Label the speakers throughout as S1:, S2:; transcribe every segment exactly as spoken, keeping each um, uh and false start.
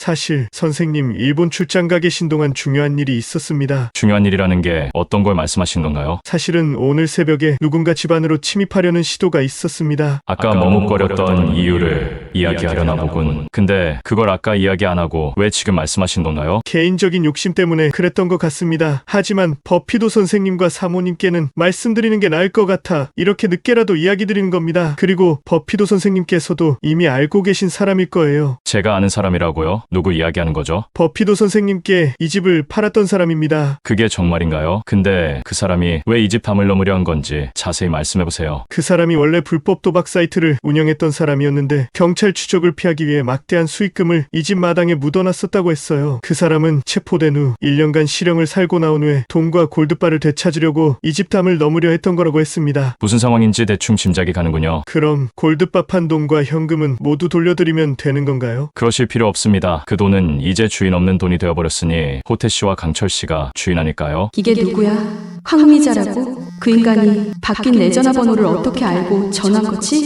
S1: 사실 선생님 일본 출장 가 계신 동안 중요한 일이 있었습니다.
S2: 중요한 일이라는 게 어떤 걸 말씀하시는 건가요?
S1: 사실은 오늘 새벽에 누군가 집안으로 침입하려는 시도가 있었습니다.
S2: 아까 머뭇거렸던 이유를 이야기하려나 보군. 근데 그걸 아까 이야기 안 하고 왜 지금 말씀하신 건가요?
S1: 개인적인 욕심 때문에 그랬던 것 같습니다. 하지만 버피도 선생님과 사모님께는 말씀드리는 게 나을 것 같아 이렇게 늦게라도 이야기 드리는 겁니다. 그리고 버피도 선생님께서도 이미 알고 계신 사람일 거예요.
S2: 제가 아는 사람이라고요? 누구 이야기하는 거죠?
S1: 버피도 선생님께 이 집을 팔았던 사람입니다.
S2: 그게 정말인가요? 근데 그 사람이 왜 이 집 담을 넘으려 한 건지 자세히 말씀해보세요.
S1: 그 사람이 원래 불법 도박 사이트를 운영했던 사람이었는데 경찰 추적을 피하기 위해 막대한 수익금을 이 집 마당에 묻어놨었다고 했어요. 그 사람은 체포된 후 일 년간 실형을 살고 나온 후에 돈과 골드바를 되찾으려고 이 집 담을 넘으려 했던 거라고 했습니다.
S2: 무슨 상황인지 대충 짐작이 가는군요.
S1: 그럼 골드바 판 돈과 현금은 모두 돌려드리면 되는 건가요?
S2: 그러실 필요 없습니다. 그 돈은 이제 주인 없는 돈이 되어버렸으니 호태 씨와 강철 씨가 주인 아닐까요?
S3: 이게 누구야? 황미자라고? 그 인간이 바뀐 내 전화번호를 어떻게 알고 전화한 거지?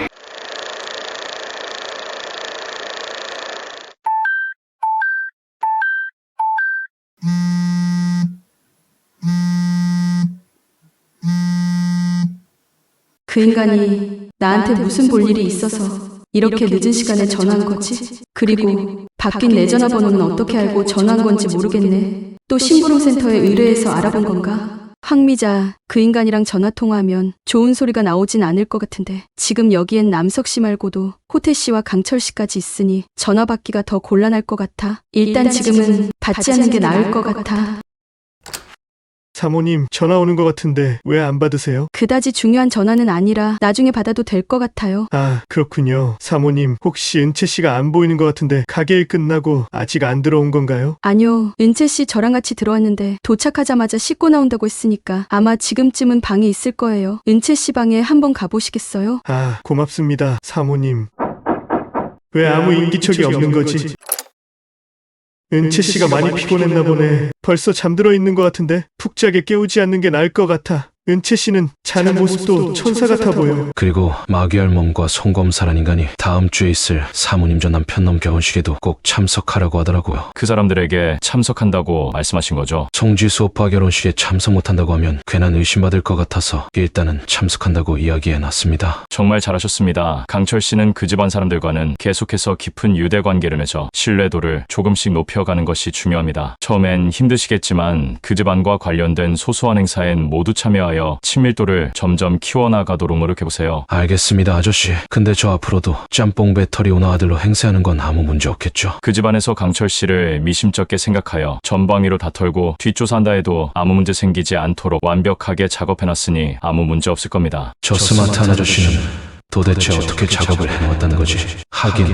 S3: 그 인간이 나한테 무슨 볼 일이 있어서 이렇게 늦은 시간에 전화한 거지? 그리고 바뀐 내 전화번호는 어떻게 알고 전화한 건지 모르겠네. 또 심부름센터에 의뢰해서 알아본 건가? 황미자, 그 인간이랑 전화통화하면 좋은 소리가 나오진 않을 것 같은데 지금 여기엔 남석 씨 말고도 호태 씨와 강철 씨까지 있으니 전화 받기가 더 곤란할 것 같아. 일단 지금은 받지 않는 게 나을 것 같아.
S1: 사모님, 전화 오는 것 같은데 왜 안 받으세요?
S3: 그다지 중요한 전화는 아니라 나중에 받아도 될 것 같아요.
S1: 아, 그렇군요. 사모님, 혹시 은채 씨가 안 보이는 것 같은데 가게 일 끝나고 아직 안 들어온 건가요?
S3: 아니요. 은채 씨 저랑 같이 들어왔는데 도착하자마자 씻고 나온다고 했으니까 아마 지금쯤은 방에 있을 거예요. 은채 씨 방에 한번 가보시겠어요?
S1: 아, 고맙습니다, 사모님. 왜 아무 인기척이 없는 거지? 은채 씨가 많이 피곤했나 보네. 벌써 잠들어 있는 것 같은데 푹 자게 깨우지 않는 게 나을 것 같아. 은채 씨는 자는 모습도 천사 같아 보여.
S4: 그리고 마귀알 몸과 송검사란 인간이 다음 주에 있을 사모님 전 남편놈 결혼식에도 꼭 참석하라고 하더라고요.
S2: 그 사람들에게 참석한다고 말씀하신 거죠?
S4: 송지수 오빠 결혼식에 참석 못한다고 하면 괜한 의심받을 것 같아서 일단은 참석한다고 이야기해놨습니다.
S2: 정말 잘하셨습니다. 강철 씨는 그 집안 사람들과는 계속해서 깊은 유대 관계를 맺어 신뢰도를 조금씩 높여가는 것이 중요합니다. 처음엔 힘드시겠지만 그 집안과 관련된 소소한 행사엔 모두 참여하여 친밀도를 점점 키워나가도록 노력해보세요.
S4: 알겠습니다, 아저씨. 근데 저 앞으로도 짬뽕 배터리 오너 아들로 행세하는 건 아무 문제 없겠죠?
S2: 그 집안에서 강철 씨를 미심쩍게 생각하여 전방위로 다 털고 뒷조사한다 해도 아무 문제 생기지 않도록 완벽하게 작업해놨으니 아무 문제 없을 겁니다.
S4: 저 스마트한 아저씨는 도대체 어떻게 작업을 해놓았다는 거지? 하긴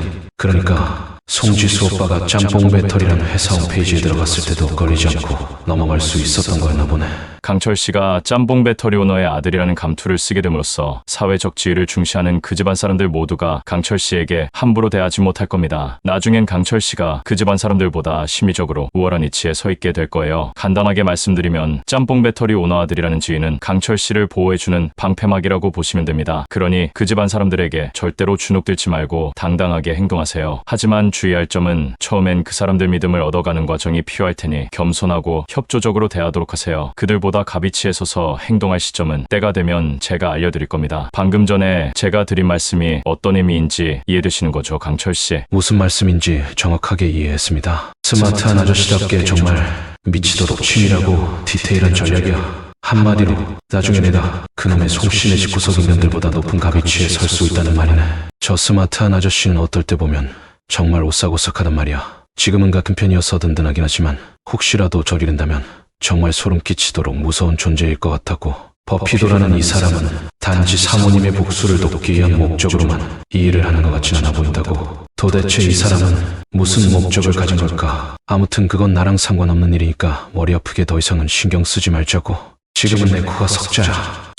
S4: 그러니까 송지수 오빠가 짬뽕 배터리라는 회사 홈페이지에 들어갔을 때도 걸리지 않고 넘어갈 수 있었던 거였나 보네.
S2: 강철 씨가 짬뽕 배터리 오너의 아들이라는 감투를 쓰게 됨으로써 사회적 지위를 중시하는 그 집안 사람들 모두가 강철 씨에게 함부로 대하지 못할 겁니다. 나중엔 강철 씨가 그 집안 사람들보다 심리적으로 우월한 위치에 서 있게 될 거예요. 간단하게 말씀드리면 짬뽕 배터리 오너 아들이라는 지위는 강철 씨를 보호해주는 방패막이라고 보시면 됩니다. 그러니 그 집안 사람들에게 절대로 주눅들지 말고 당당하게 행동하세요. 하지만 주의할 점은 처음엔 그 사람들 믿음을 얻어가는 과정이 필요할 테니 겸손하고 협조적으로 대하도록 하세요. 그들보다 가비치에 서서 행동할 시점은 때가 되면 제가 알려드릴 겁니다. 방금 전에 제가 드린 말씀이 어떤 의미인지 이해되시는 거죠, 강철 씨?
S4: 무슨 말씀인지 정확하게 이해했습니다. 스마트한 아저씨답게 정말 미치도록 치밀하고 디테일한 전략이야. 한마디로 나중에 내가 그놈의 송씨네 집 구석 인간들보다 높은 가비치에 설 수 있다는 말이네. 저 스마트한 아저씨는 어떨 때 보면 정말 오싹오싹하단 말이야. 지금은 같은 편이어서 든든하긴 하지만 혹시라도 저리 된다면 정말 소름 끼치도록 무서운 존재일 것 같았고, 버피도라는 이 사람은 단지 사모님의 복수를 돕기 위한 목적으로만 이 일을 하는 것 같진 않아 보인다고. 도대체 이 사람은 무슨 목적을 가진 걸까? 아무튼 그건 나랑 상관없는 일이니까 머리 아프게 더 이상은 신경 쓰지 말자고. 지금은 내 코가 석자야.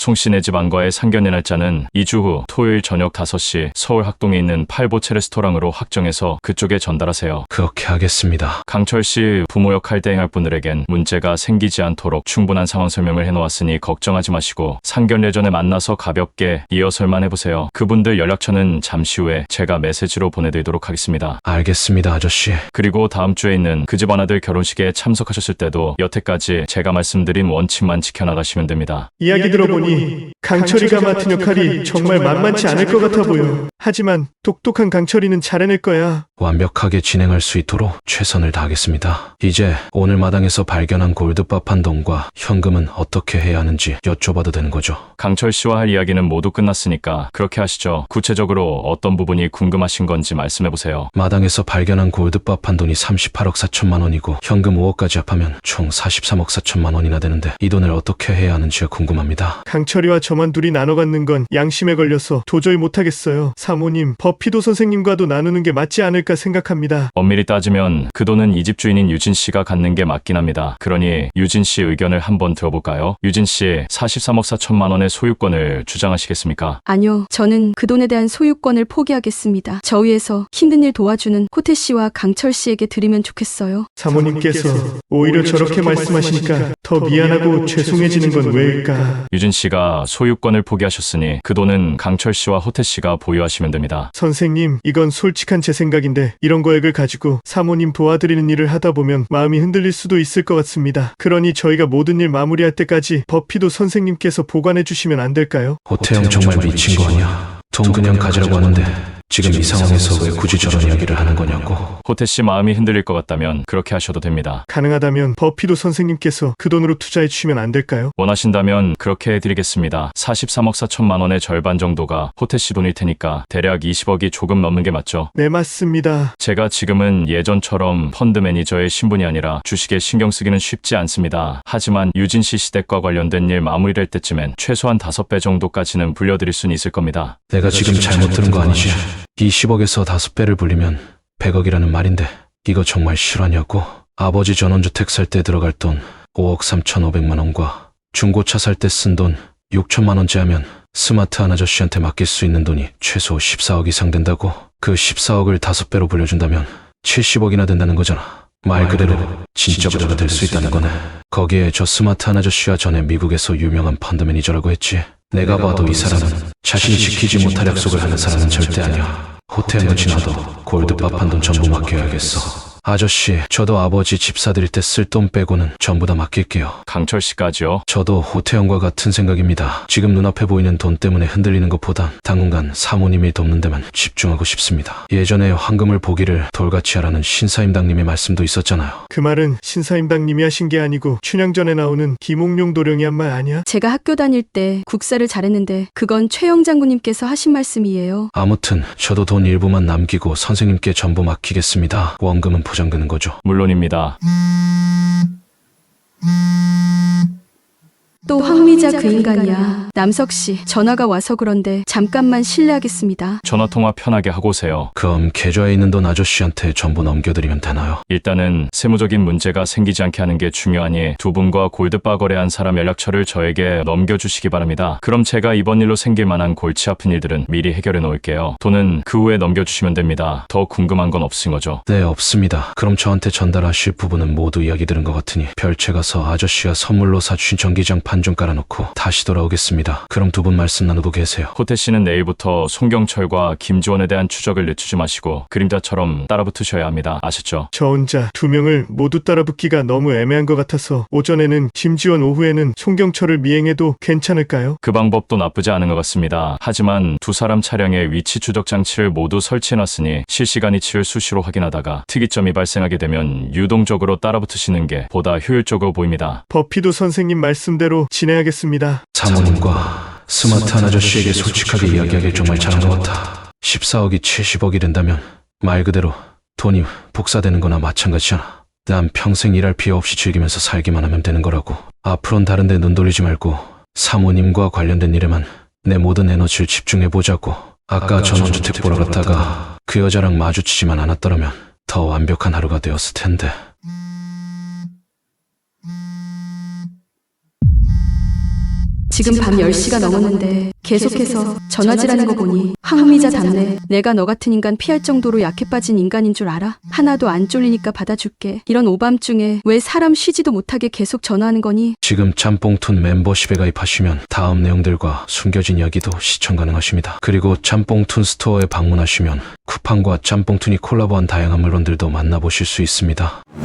S2: 송씨네 집 안과의 상견례 날짜는 이 주 후 토요일 저녁 다섯 시 서울 학동에 있는 팔보채 레스토랑으로 확정해서 그쪽에 전달하세요.
S4: 그렇게 하겠습니다.
S2: 강철씨 부모 역할 대행할 분들에겐 문제가 생기지 않도록 충분한 상황 설명을 해놓았으니 걱정하지 마시고 상견례 전에 만나서 가볍게 리허설만 해보세요. 그분들 연락처는 잠시 후에 제가 메시지로 보내드리도록 하겠습니다.
S4: 알겠습니다, 아저씨.
S2: 그리고 다음 주에 있는 그 집 아나들 결혼식에 참석하셨을 때도 여태까지 제가 말씀드린 원칙만 지켜나가시면 됩니다.
S1: 이야기 들어보니 강철이가 맡은 역할이 정말 만만치 않을 것 같아 보여. 하지만 똑똑한 강철이는 잘해낼 거야.
S4: 완벽하게 진행할 수 있도록 최선을 다하겠습니다. 이제 오늘 마당에서 발견한 골드밥 한 돈과 현금은 어떻게 해야 하는지 여쭤봐도 되는 거죠?
S2: 강철 씨와 할 이야기는 모두 끝났으니까 그렇게 하시죠. 구체적으로 어떤 부분이 궁금하신 건지 말씀해보세요.
S4: 마당에서 발견한 골드밥 한 돈이 삼십팔억 사천만 원이고 현금 오억까지 합하면 총 사십삼억 사천만 원이나 되는데 이 돈을 어떻게 해야 하는지가 궁금합니다.
S1: 강철이와 저만 둘이 나눠 갖는 건 양심에 걸려서 도저히 못하겠어요. 사모님, 버피도 선생님과도 나누는 게 맞지 않을까 생각합니다.
S2: 엄밀히 따지면 그 돈은 이 집 주인인 유진 씨가 갖는 게 맞긴 합니다. 그러니 유진 씨 의견을 한번 들어볼까요? 유진 씨, 사십삼억 사천만 원의 소유권을 주장하시겠습니까?
S3: 아니요, 저는 그 돈에 대한 소유권을 포기하겠습니다. 저 위에서 힘든 일 도와주는 호태 씨와 강철 씨에게 드리면 좋겠어요.
S1: 사모님께서 오히려 저렇게 말씀하시니까 더 미안하고 죄송해지는 건 왜일까?
S2: 유진 씨가 소유권을 포기하셨으니 그 돈은 강철 씨와 호태 씨가 보유하시면 됩니다.
S1: 선생님, 이건 솔직한 제 생각인데 이런 거액을 가지고 사모님 도와드리는 일을 하다 보면 마음이 흔들릴 수도 있을 것 같습니다. 그러니 저희가 모든 일 마무리할 때까지 버피도 선생님께서 보관해 주시면 안 될까요?
S4: 호태형 정말 미친 거 아니야? 돈 그냥 가지라고 하는데 지금 이 상황에서 왜 굳이 저런 이야기를 하는 거냐고.
S2: 호태 씨 마음이 흔들릴 것 같다면 그렇게 하셔도 됩니다.
S1: 가능하다면 버피도 선생님께서 그 돈으로 투자해 주시면 안 될까요?
S2: 원하신다면 그렇게 해드리겠습니다. 사십삼억 사천만 원의 절반 정도가 호태 씨 돈일 테니까 대략 이십억이 조금 넘는 게 맞죠?
S1: 네, 맞습니다.
S2: 제가 지금은 예전처럼 펀드 매니저의 신분이 아니라 주식에 신경 쓰기는 쉽지 않습니다. 하지만 유진 씨 시댁과 관련된 일 마무리될 때쯤엔 최소한 다섯 배 정도까지는 불려드릴 수는 있을 겁니다.
S4: 내가 지금 잘못 들은 거 아니지? 이십억에서 다섯 배를 불리면 백억이라는 말인데 이거 정말 실화냐고? 아버지 전원주택 살 때 들어갈 돈 오억 삼천오백만 원과 중고차 살 때 쓴 돈 육천만 원째 하면 스마트한 아저씨한테 맡길 수 있는 돈이 최소 십사억 이상 된다고? 그 십사억을 다섯 배로 불려준다면 칠십억이나 된다는 거잖아. 말 그대로 진짜 부자가 될 수 있다는 거네. 거기에 저 스마트한 아저씨와 전에 미국에서 유명한 펀드 매니저라고 했지. 내가 봐도 이 사람은 자신이 지키지 못할 약속을 하는 사람은 절대 아니야. 호텔은 지나도 골드밥 한 돈 전부 맡겨야겠어. 아저씨, 저도 아버지 집 사드릴 때 쓸 돈 빼고는 전부 다 맡길게요.
S2: 강철 씨까지요?
S4: 저도 호태형과 같은 생각입니다. 지금 눈앞에 보이는 돈 때문에 흔들리는 것보단 당분간 사모님이 돕는 데만 집중하고 싶습니다. 예전에 황금을 보기를 돌같이 하라는 신사임당님의 말씀도 있었잖아요.
S1: 그 말은 신사임당님이 하신 게 아니고 춘향전에 나오는 김옥룡 도령이 한 말 아니야?
S3: 제가 학교 다닐 때 국사를 잘했는데 그건 최영 장군님께서 하신 말씀이에요.
S4: 아무튼 저도 돈 일부만 남기고 선생님께 전부 맡기겠습니다. 원금은 보장되는 거죠.
S2: 물론입니다.
S3: 또 황미자 그 인간이야. 남석씨, 전화가 와서 그런데 잠깐만 실례하겠습니다.
S2: 전화통화 편하게 하고 오세요.
S4: 그럼 계좌에 있는 돈 아저씨한테 전부 넘겨드리면 되나요?
S2: 일단은 세무적인 문제가 생기지 않게 하는 게 중요하니 두 분과 골드바 거래한 사람 연락처를 저에게 넘겨주시기 바랍니다. 그럼 제가 이번 일로 생길 만한 골치 아픈 일들은 미리 해결해 놓을게요. 돈은 그 후에 넘겨주시면 됩니다. 더 궁금한 건 없은 거죠?
S4: 네, 없습니다. 그럼 저한테 전달하실 부분은 모두 이야기 들은 것 같으니 별채 가서 아저씨가 선물로 사주신 전기장 판 좀 깔아놓고 다시 돌아오겠습니다. 그럼 두 분 말씀 나누고 계세요.
S2: 호태 씨는 내일부터 송경철과 김지원에 대한 추적을 늦추지 마시고 그림자처럼 따라붙으셔야 합니다. 아셨죠?
S1: 저 혼자 두 명을 모두 따라붙기가 너무 애매한 것 같아서 오전에는 김지원, 오후에는 송경철을 미행해도 괜찮을까요?
S2: 그 방법도 나쁘지 않은 것 같습니다. 하지만 두 사람 차량에 위치 추적 장치를 모두 설치해놨으니 실시간 위치를 수시로 확인하다가 특이점이 발생하게 되면 유동적으로 따라붙으시는 게 보다 효율적으로 보입니다.
S1: 버피도 선생님 말씀대로 진행하겠습니다.
S4: 사모님과 스마트한 아저씨에게 솔직하게 이야기하길 정말 잘한 것 같아. 십사억이 칠십억이 된다면 말 그대로 돈이 복사되는 거나 마찬가지잖아. 난 평생 일할 필요 없이 즐기면서 살기만 하면 되는 거라고. 앞으로는 다른 데 눈 돌리지 말고 사모님과 관련된 일에만 내 모든 에너지를 집중해보자고. 아까 전원주택 보러 갔다가 그 여자랑 마주치지만 않았더라면 더 완벽한 하루가 되었을 텐데.
S3: 지금 밤 열 시가 넘었는데 계속해서 전화질하는 거 보니 황미자답네. 내가 너 같은 인간 피할 정도로 약해 빠진 인간인 줄 알아? 하나도 안 쫄리니까 받아줄게. 이런 오밤중에 왜 사람 쉬지도 못하게 계속 전화하는 거니?
S4: 지금 짬뽕툰 멤버십에 가입하시면 다음 내용들과 숨겨진 이야기도 시청 가능하십니다. 그리고 짬뽕툰 스토어에 방문하시면 쿠팡과 짬뽕툰이 콜라보한 다양한 물건들도 만나보실 수 있습니다.